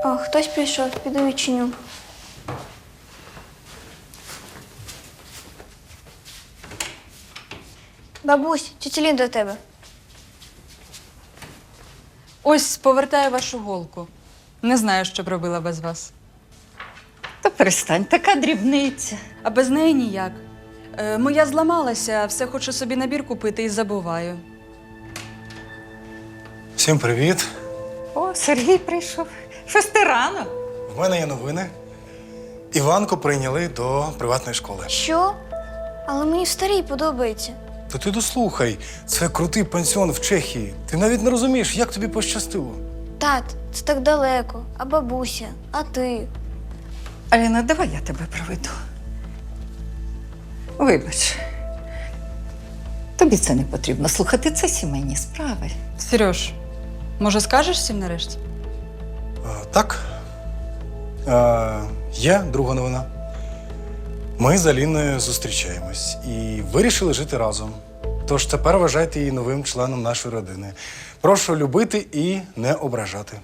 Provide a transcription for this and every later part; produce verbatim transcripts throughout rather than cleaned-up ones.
О, хтось прийшов, піду відчиню. Бабусь, тетя Лін до тебе. Ось повертаю вашу голку. Не знаю, що б робила без вас. Та перестань, така дрібниця. А без неї ніяк. Е, моя зламалася, все хочу собі набір купити і забуваю. Всім привіт. О, Сергій прийшов. Щось ти рано. В мене є новини. Іванку прийняли до приватної школи. Що? Але мені в старій подобається. То ти дослухай, це крутий пансіон в Чехії. Ти навіть не розумієш, як тобі пощастило. Тат, це так далеко. А бабуся, а ти? Аліна, давай я тебе проведу. Вибач. Тобі це не потрібно слухати, це сімейні справи. Сереж, може скажеш всім нарешті? А, так. А, є друга новина. Ми з Аліною зустрічаємось і вирішили жити разом. Тож тепер вважайте її новим членом нашої родини. Прошу любити і не ображати.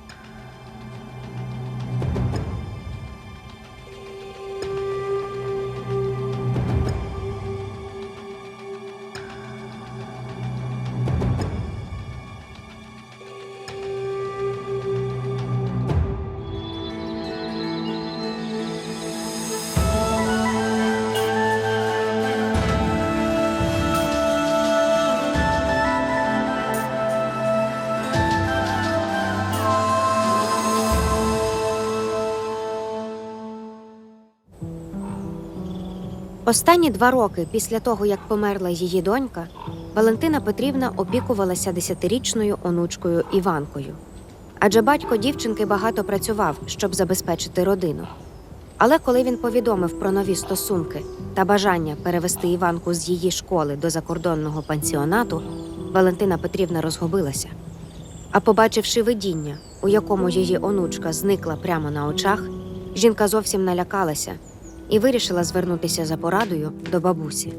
Останні два роки після того, як померла її донька, Валентина Петрівна опікувалася десятирічною онучкою Іванкою. Адже батько дівчинки багато працював, щоб забезпечити родину. Але коли він повідомив про нові стосунки та бажання перевести Іванку з її школи до закордонного пансіонату, Валентина Петрівна розгубилася. А побачивши видіння, у якому її онучка зникла прямо на очах, жінка зовсім налякалася і вирішила звернутися за порадою до бабусі.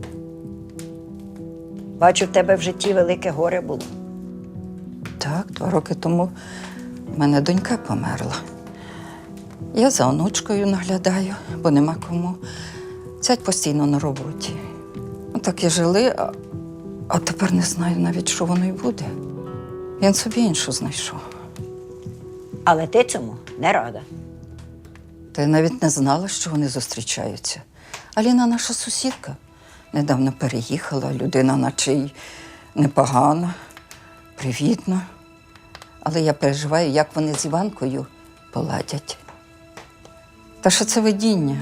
Бачу, в тебе в житті велике горе було. Так, два роки тому в мене донька померла. Я за онучкою наглядаю, бо нема кому. Зять постійно на роботі. Так і жили, а, а тепер не знаю навіть, що воно й буде. Він собі іншу знайшов. Але ти цьому не рада. Та я навіть не знала, що вони зустрічаються. Аліна наша сусідка. Недавно переїхала, людина наче й непогана, привітна. Але я переживаю, як вони з Іванкою поладять. Та що це видіння?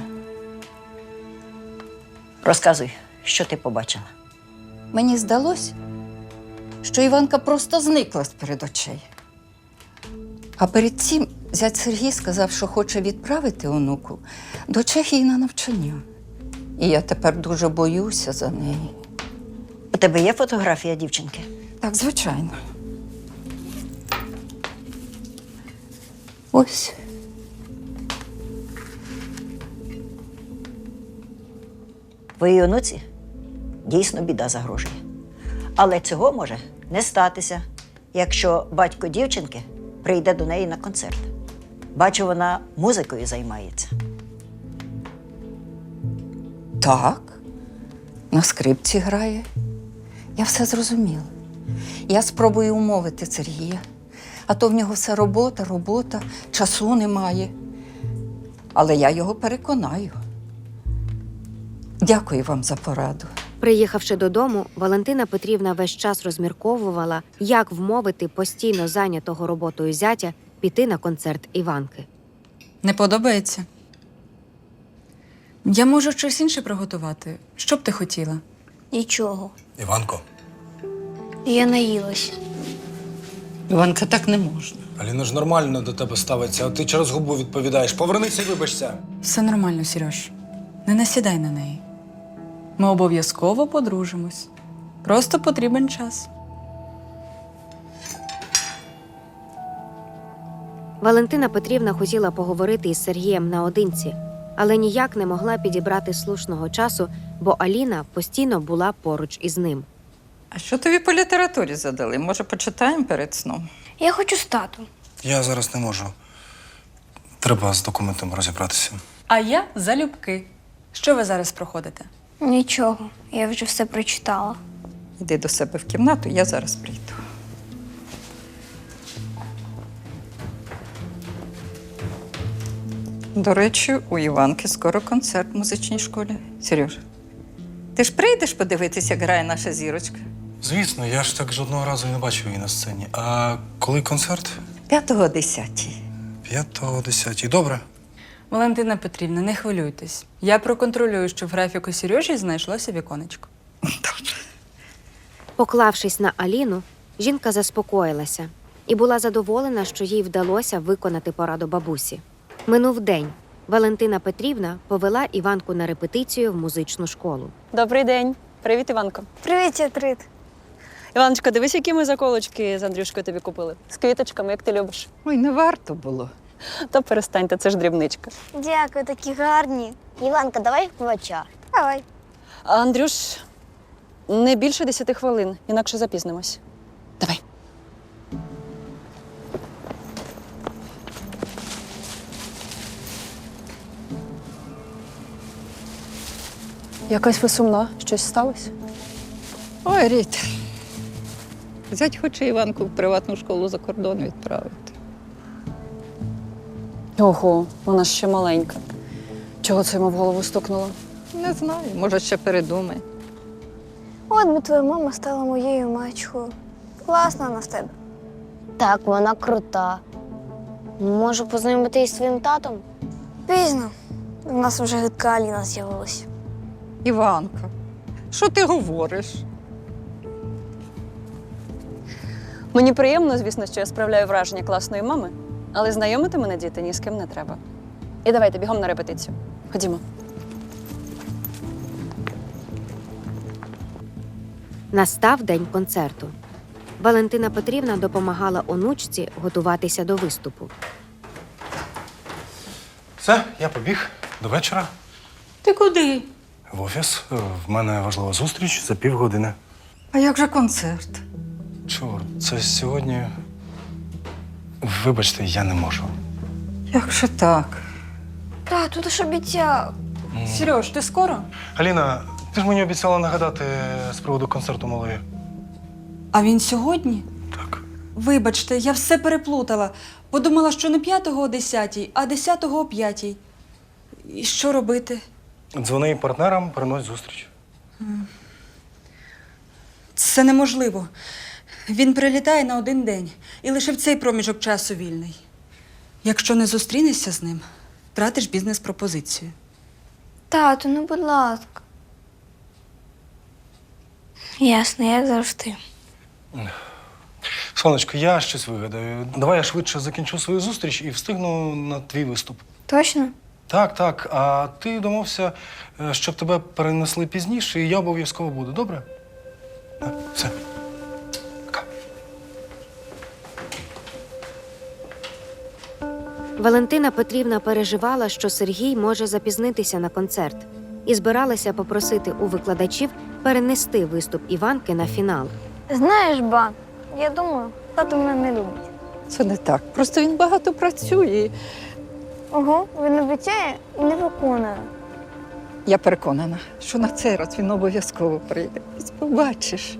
Розказуй, що ти побачила. Мені здалось, що Іванка просто зникла з-перед очей. А перед цим зять Сергій сказав, що хоче відправити онуку до Чехії на навчання. І я тепер дуже боюся за неї. У тебе є фотографія дівчинки? Так, звичайно. Ось. Твоїй онуці дійсно біда загрожує. Але цього може не статися, якщо батько дівчинки прийде до неї на концерт. Бачу, вона музикою займається. Так, на скрипці грає. Я все зрозуміла. Я спробую умовити Сергія. А то в нього все робота, робота, часу немає. Але я його переконаю. Дякую вам за пораду. Приїхавши додому, Валентина Петрівна весь час розмірковувала, як вмовити постійно зайнятого роботою зятя піти на концерт Іванки. Не подобається? Я можу щось інше приготувати. Що б ти хотіла? Нічого. Іванко, Я наїлась. Іванка, так не можна. Аліна ж нормально до тебе ставиться, а ти через губу відповідаєш. Повернися і вибачся. Все нормально, Сереж. Не насідай на неї. Ми обов'язково подружимось. Просто потрібен час. Валентина Петрівна хотіла поговорити із Сергієм наодинці, але ніяк не могла підібрати слушного часу, бо Аліна постійно була поруч із ним. А що тобі по літературі задали? Може, почитаємо перед сном? Я хочу з татом. Я зараз не можу. треба з документом розібратися. А я залюбки. Що ви зараз проходите? Нічого, я вже все прочитала. Іди до себе в кімнату, я зараз прийду. До речі, у Іванки скоро концерт в музичній школі. Сереж, ти ж прийдеш подивитися, як грає наша зірочка? Звісно, я ж так жодного разу і не бачив її на сцені. А коли концерт? П'ятого о десятій. П'ятого, десятій. Добре. Валентина Петрівна, не хвилюйтесь. Я проконтролюю, що в графіку Сережі знайшлося віконечко. Поклавшись на Аліну, жінка заспокоїлася і була задоволена, що їй вдалося виконати пораду бабусі. Минув день. Валентина Петрівна повела Іванку на репетицію в музичну школу. Добрий день. Привіт, Іванко. Привіт, Ятрит. Іваночка, дивись, які ми заколочки з Андрюшкою тобі купили. З квіточками, як ти любиш. Ой, не варто було. То перестаньте, це ж дрібничка. Дякую, такі гарні. Іванка, давай вквача. Давай. А Андрюш, не більше десяти хвилин, інакше запізнимось. Давай. Якась ви сумна. Щось сталося? Ой, Ріт. Зять хоче Іванку в приватну школу за кордон відправити. Ого, вона ж ще маленька. Чого це йому в голову стукнуло? Не знаю, може, ще передумає. От би твоя мама стала моєю мачхою. Класна вона в тебе. Так, вона крута. Можу познайомити із твоїм татом? Пізно. У нас вже гидка Аліна з'явилася. Іванка, що ти говориш? Мені приємно, звісно, що я справляю враження класної мами, але знайомити мене діти ні з ким не треба. І давайте бігом на репетицію. Ходімо. Настав день концерту. Валентина Петрівна допомагала онучці готуватися до виступу. Все, я побіг. До вечора. Ти куди? В офіс. В мене важлива зустріч за півгодини. А як же концерт? Чорт, це сьогодні. Вибачте, я не можу. Як же так? Тату, ти ж обіцяв. Сереж, ти скоро? Аліна, ти ж мені обіцяла нагадати з приводу концерту малої. А він сьогодні? Так. Вибачте, я все переплутала. Подумала, що не п'ятого о десятій, а десятого о п'ятій. І що робити? Дзвони партнерам, перенось зустріч. Це неможливо. Він прилітає на один день і лише в цей проміжок часу вільний. Якщо не зустрінешся з ним, втратиш бізнес-пропозицію. Тату, ну будь ласка. Ясно, як завжди. Сонечко, я щось вигадаю. Давай я швидше закінчу свою зустріч і встигну на твій виступ. Точно? Так, так. А ти домовся, е, щоб тебе перенесли пізніше, і я обов'язково буду, добре? Так, все. Пока. Валентина Петрівна переживала, що Сергій може запізнитися на концерт, і збиралася попросити у викладачів перенести виступ Іванки на фінал. Знаєш, ба, я думаю, тато мене не любить. Це не так. Просто він багато працює. Ого, він обіцяє і не виконує. Я переконана, що на цей раз він обов'язково прийде. Ось побачиш.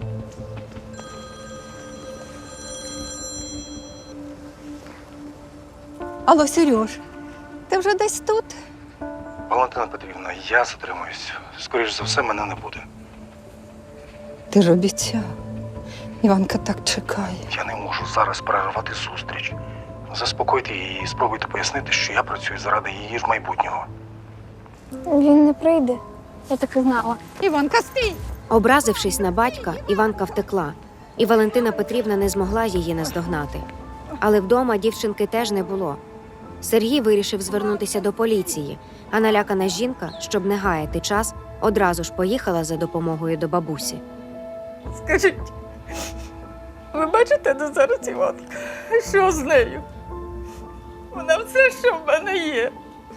Алло, Сереж, ти вже десь тут? Валентина Петрівна, я затримуюсь. Скоріш за все, мене не буде. Ти ж обіцяв. Іванка так чекає. Я не можу зараз перервати зустріч. Заспокойте її і спробуйте пояснити, що я працюю заради її ж майбутнього. Він не прийде. Я так і знала. Іванка, стій! Образившись на батька, Іванка втекла, і Валентина Петрівна не змогла її наздогнати. Але вдома дівчинки теж не було. Сергій вирішив звернутися до поліції, а налякана жінка, щоб не гаяти час, одразу ж поїхала за допомогою до бабусі. Скажіть, ви бачите, де зараз Іванка? Що з нею? Вона все, що в мене є.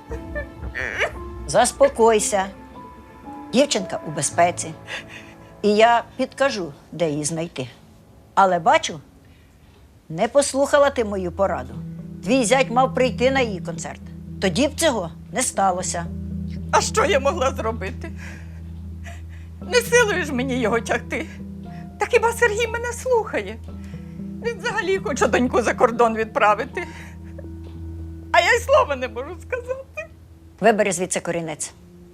Заспокойся. Дівчинка у безпеці. І я підкажу, де її знайти. Але бачу, не послухала ти мою пораду. Твій зять мав прийти на її концерт. тоді б цього не сталося. А що я могла зробити? Не силою ж мені його тягти. Та хіба Сергій мене слухає? Він взагалі хоче доньку за кордон відправити. А я й слова не можу сказати. Вибери звідси корінець.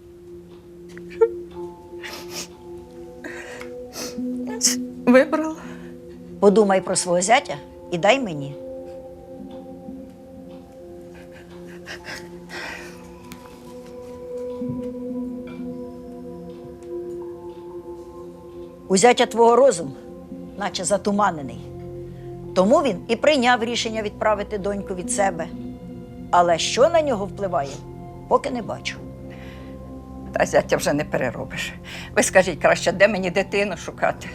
Вибрала. Подумай про свого зятя і дай мені. У зятя твого розум, наче затуманений. Тому він і прийняв рішення відправити доньку від себе. Але що на нього впливає, поки не бачу. Та зятя вже не переробиш. Ви скажіть краще, де мені дитину шукати?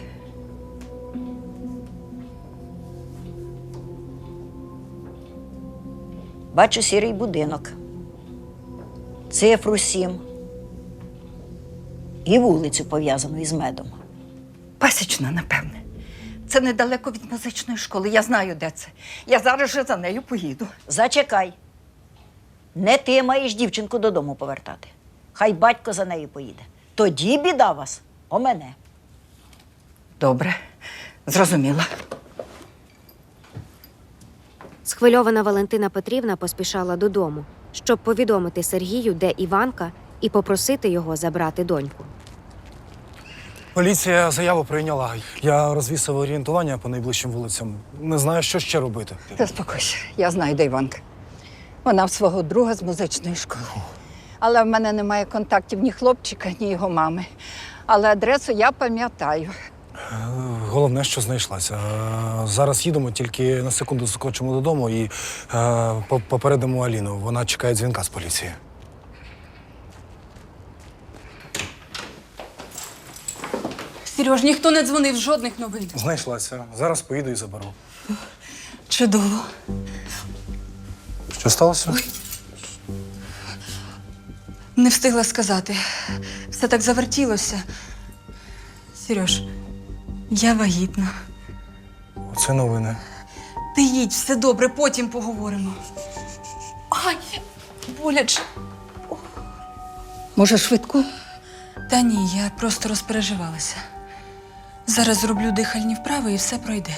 Бачу сірий будинок, цифру сім і вулицю, пов'язану із медом. Пасічна, напевне. Це недалеко від музичної школи. Я знаю, де це. Я зараз же за нею поїду. Зачекай. Не ти маєш дівчинку додому повертати. Хай батько за нею поїде. Тоді біда вас о мене. Добре, зрозуміла. Схвильована Валентина Петрівна поспішала додому, щоб повідомити Сергію, де Іванка, і попросити його забрати доньку. Поліція заяву прийняла. Я розвісив орієнтування по найближчим вулицям. Не знаю, що ще робити. Заспокойся, я знаю, де Іванка. Вона в свого друга з музичної школи. Але в мене немає контактів ні хлопчика, ні його мами. Але адресу я пам'ятаю. Головне, що знайшлася. Е, Зараз їдемо, тільки на секунду заскочимо додому і е, по- попередимо Аліну. Вона чекає дзвінка з поліції. Сереж, ніхто не дзвонив, жодних новин. Знайшлася. Зараз поїду і заберу. Чудово. Що сталося? Не встигла сказати. Все так завертілося. Сереж, я вагітна. Оце новини. Ти їдь, все добре, потім поговоримо. Ай, боляче. Може, швидку? Та ні, я просто розпереживалася. Зараз зроблю дихальні вправи і все пройде.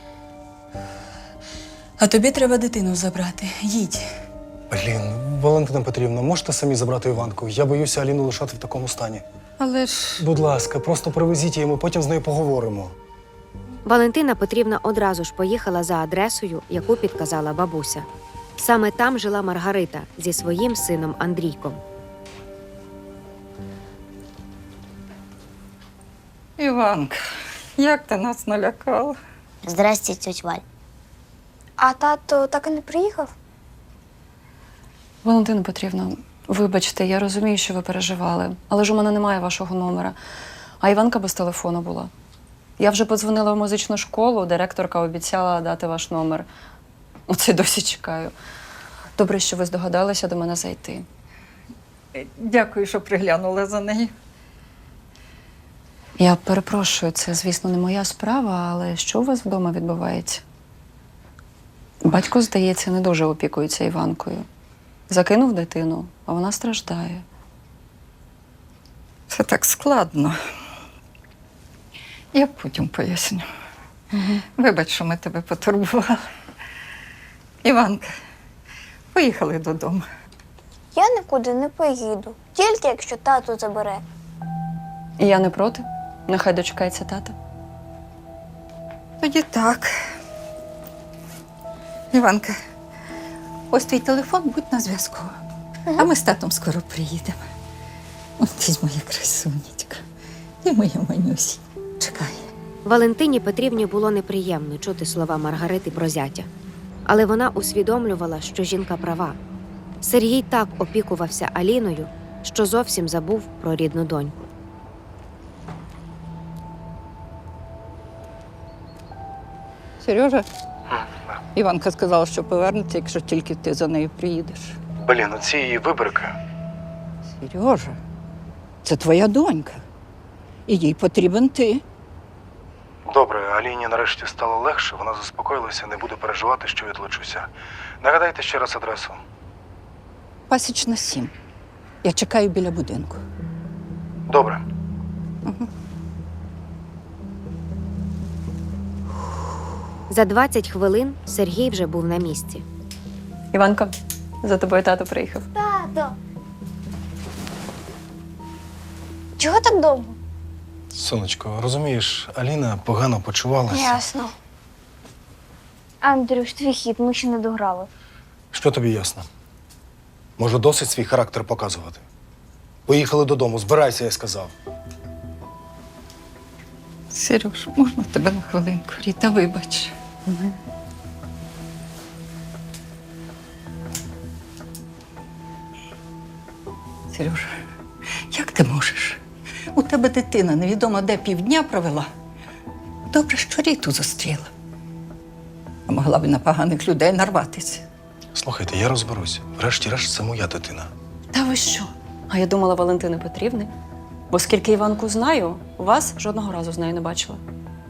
А тобі треба дитину забрати. Їдь. Блін, Валентина Петрівна, можете самі забрати Іванку? Я боюся Аліну лишати в такому стані. Але ж Будь ласка, просто привезіть її, ми потім з нею поговоримо. Валентина Петрівна одразу ж поїхала за адресою, яку підказала бабуся. Саме там жила Маргарита зі своїм сином Андрійком. Іванка, як ти нас налякала? Здрасте, тьоть Валь. А тато так і не приїхав? Валентина Петрівна, вибачте, я розумію, що ви переживали, але ж у мене немає вашого номера. А Іванка без телефону була. Я вже подзвонила в музичну школу, директорка обіцяла дати ваш номер. Оце досі чекаю. Добре, що ви здогадалися до мене зайти. Дякую, що приглянула за нею. Я перепрошую, це, звісно, не моя справа, але що у вас вдома відбувається? Батько, здається, не дуже опікується Іванкою. Закинув дитину, а вона страждає. Це так складно. Я потім поясню. Угу. Вибач, що ми тебе потурбували. Іванка, поїхали додому. Я нікуди не поїду, тільки якщо тато забере. І я не проти. Нехай дочекається тата. Тоді так. Іванка, ось твій телефон, будь на зв'язку. А ми з татом скоро приїдемо. Ось моя красунечка. І моя манюсі. Чекай. Валентині Петрівні було неприємно чути слова Маргарити про зятя. Але вона усвідомлювала, що жінка права. Сергій так опікувався Аліною, що зовсім забув про рідну доньку. Сережа, Іванка сказала, що повернеться, якщо тільки ти за нею приїдеш. Блін, оці її вибрики. Сережа, це твоя донька. І їй потрібен ти. Добре, Аліні нарешті стало легше, вона заспокоїлася, не буде переживати, що відлучуся. Нагадайте ще раз адресу. Пасічна сім. Я чекаю біля будинку. Добре. За двадцять хвилин Сергій вже був на місці. Іванка, за тобою тато приїхав. Тато. Чого так довго? Сонечко, розумієш, Аліна погано почувалася. Ясно. Андрюш, твій хід, ми ще не дограли. Що тобі ясно? Може, досить свій характер показувати? Поїхали додому, збирайся, я сказав. Сереж, можна тебе на хвилинку? Ріта, вибач. Сережа, як ти можеш? У тебе дитина невідомо де півдня провела. Добре, що Ріту зустріла. А могла б і на поганих людей нарватися. Слухайте, я розберуся. Врешті-решт, це моя дитина. Та ви що? А я думала Валентини Петрівни. Бо скільки Іванку знаю, вас жодного разу з нею не бачила.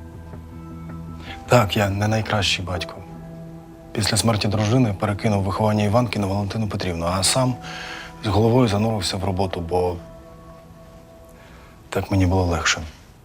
Так, я не найкращий батько. Після смерті дружини перекинув виховання Іванки на Валентину Петрівну, а сам з головою занурився в роботу, бо так мені було легше.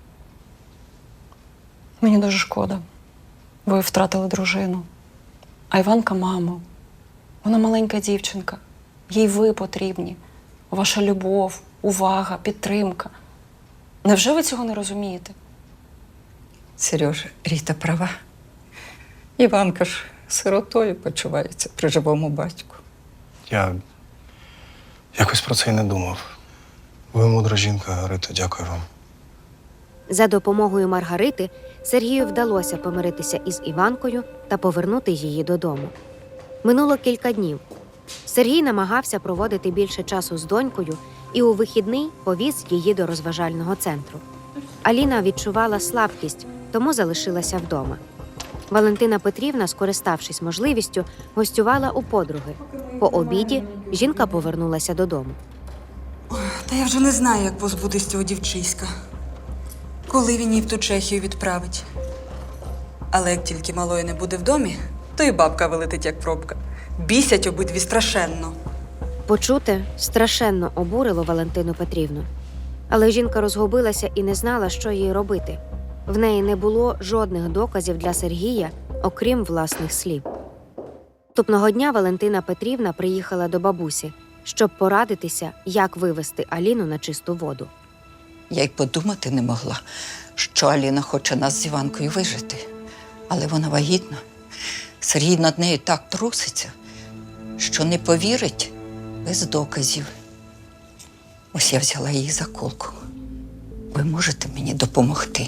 Мені дуже шкода. Ви втратили дружину. А Іванка – маму. Вона маленька дівчинка. Їй ви потрібні. Ваша любов, увага, підтримка. Невже ви цього не розумієте? Сережа, Ріта права. Іванка ж сиротою почувається при живому батьку. Я якось про це й не думав. Ви мудра жінка, Рито, дякую вам. За допомогою Маргарити Сергію вдалося помиритися із Іванкою та повернути її додому. Минуло кілька днів. Сергій намагався проводити більше часу з донькою і у вихідний повіз її до розважального центру. Аліна відчувала слабкість, тому залишилася вдома. Валентина Петрівна, скориставшись можливістю, гостювала у подруги. По обіді жінка повернулася додому. Та я вже не знаю, як позбутись цього дівчиська. Коли він її в ту Чехію відправить. Але як тільки малої не буде в домі, то і бабка вилетить, як пробка. Бісять обидві страшенно. Почуте страшенно обурило Валентину Петрівну. Але жінка розгубилася і не знала, що їй робити. В неї не було жодних доказів для Сергія, окрім власних слів. Наступного дня Валентина Петрівна приїхала до бабусі, щоб порадитися, як вивести Аліну на чисту воду. Я й подумати не могла, що Аліна хоче нас з Іванкою вижити. Але вона вагітна. Сергій над нею так труситься, що не повірить без доказів. Ось я взяла її за колку. Ви можете мені допомогти?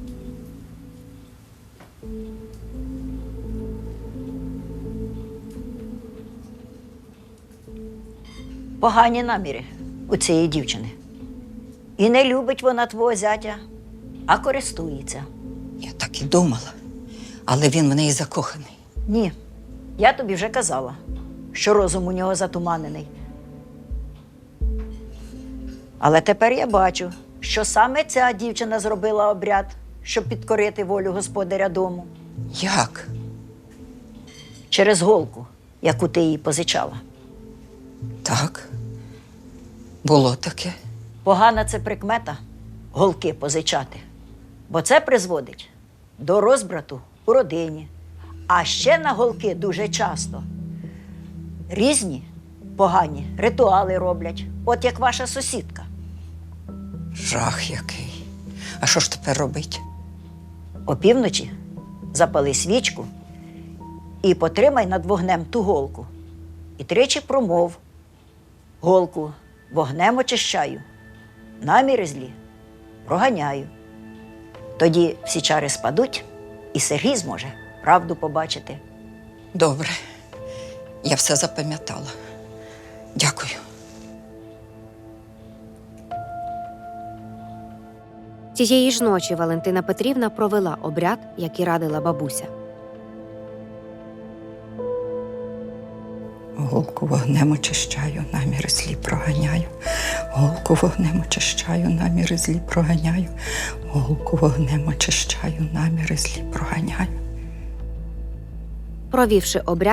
Погані наміри у цієї дівчини. І не любить вона твого зятя, а користується. Я так і думала. Але він в неї закоханий. Ні, я тобі вже казала, що розум у нього затуманений. Але тепер я бачу, що саме ця дівчина зробила обряд, щоб підкорити волю господаря дому. Як? Через голку, яку ти їй позичала. Так. Було таке. Погана це прикмета – голки позичати. Бо це призводить до розбрату у родині. А ще на голки дуже часто різні погані ритуали роблять, от як ваша сусідка. Жах який. А що ж тепер робить? Опівночі запали свічку і потримай над вогнем ту голку. І тричі промов: голку вогнем очищаю, наміри злі проганяю. Тоді всі чари спадуть, і Сергій зможе правду побачити. Добре. Я все запам'ятала. Дякую. Цієї ж ночі Валентина Петрівна провела обряд, як і радила бабуся. Голку вогнем очищаю, наміри злі проганяю. Голку вогнем очищаю, наміри злі проганяю. Голку вогнем очищаю, наміри злі проганяю. Провівши обряд,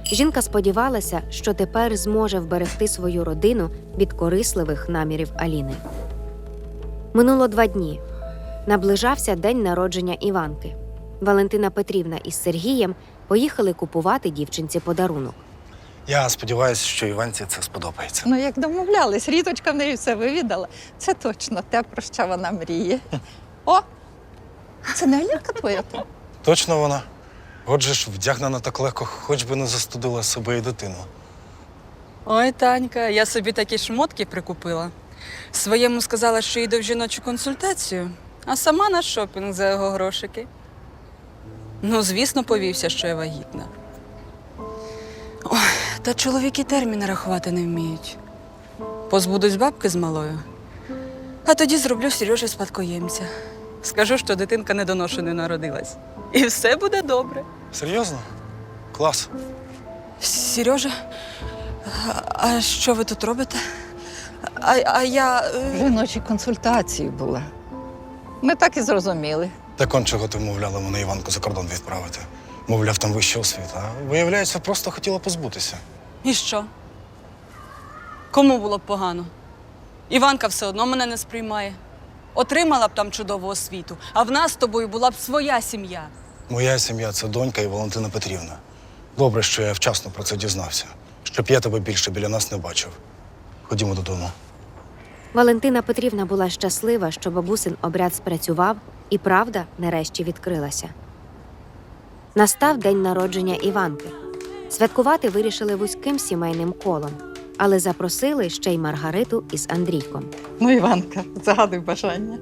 Жінка сподівалася, що тепер зможе вберегти свою родину від корисливих намірів Аліни. Минуло два дні. Наближався день народження Іванки. Валентина Петрівна із Сергієм поїхали купувати дівчинці подарунок. Я сподіваюся, що Іванці це сподобається. Ну, як домовлялись, Ріточка в неї все вивідала. Це точно те, про що вона мріє. О! Це не Алінка твоя там? Точно вона. Отже ж, вдягнена так легко, хоч би не застудила себе і дитину. Ой, Танька, я собі такі шмотки прикупила. Своєму сказала, що йду в жіночу консультацію, а сама на шопінг за його грошики. Ну, звісно, повівся, що я вагітна. Ой, та чоловіки терміни рахувати не вміють. Позбудусь бабки з малою, а тоді зроблю Сережі спадкоємця. Скажу, що дитинка недоношеною народилась. І все буде добре. Серйозно? Клас. Сережа, а- а що ви тут робите? А, а я. е, Жіночі консультації була. Ми так і зрозуміли. Так он чого ти вмовляла мене Іванку за кордон відправити. Мовляв, там вища освіта. А виявляється, просто хотіла позбутися. І що? Кому було б погано? Іванка все одно мене не сприймає. Отримала б там чудову освіту, а в нас з тобою була б своя сім'я. Моя сім'я це донька і Валентина Петрівна. Добре, що я вчасно про це дізнався. Щоб я тебе більше біля нас не бачив. Ходімо додому. Валентина Петрівна була щаслива, що бабусин обряд спрацював, і правда нарешті відкрилася. Настав день народження Іванки. Святкувати вирішили вузьким сімейним колом, але запросили ще й Маргариту із Андрійком. Ну, Іванка, загадуй бажання.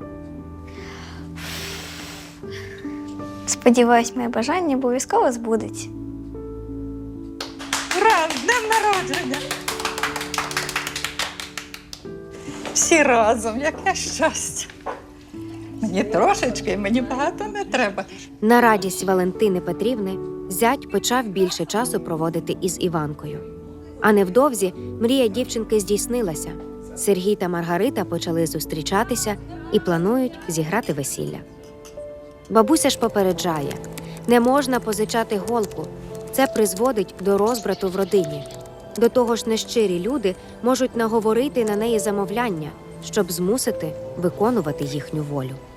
Сподіваюсь, моє бажання обов'язково збудеться. Ура! З днем народження! Всі разом, яке щастя. Мені трошечки, мені багато не треба. На радість Валентини Петрівни зять почав більше часу проводити із Іванкою. А невдовзі мрія дівчинки здійснилася. Сергій та Маргарита почали зустрічатися і планують зіграти весілля. Бабуся ж попереджає, не можна позичати голку. Це призводить до розбрату в родині. До того ж, нещирі люди можуть наговорити на неї замовляння, щоб змусити виконувати їхню волю.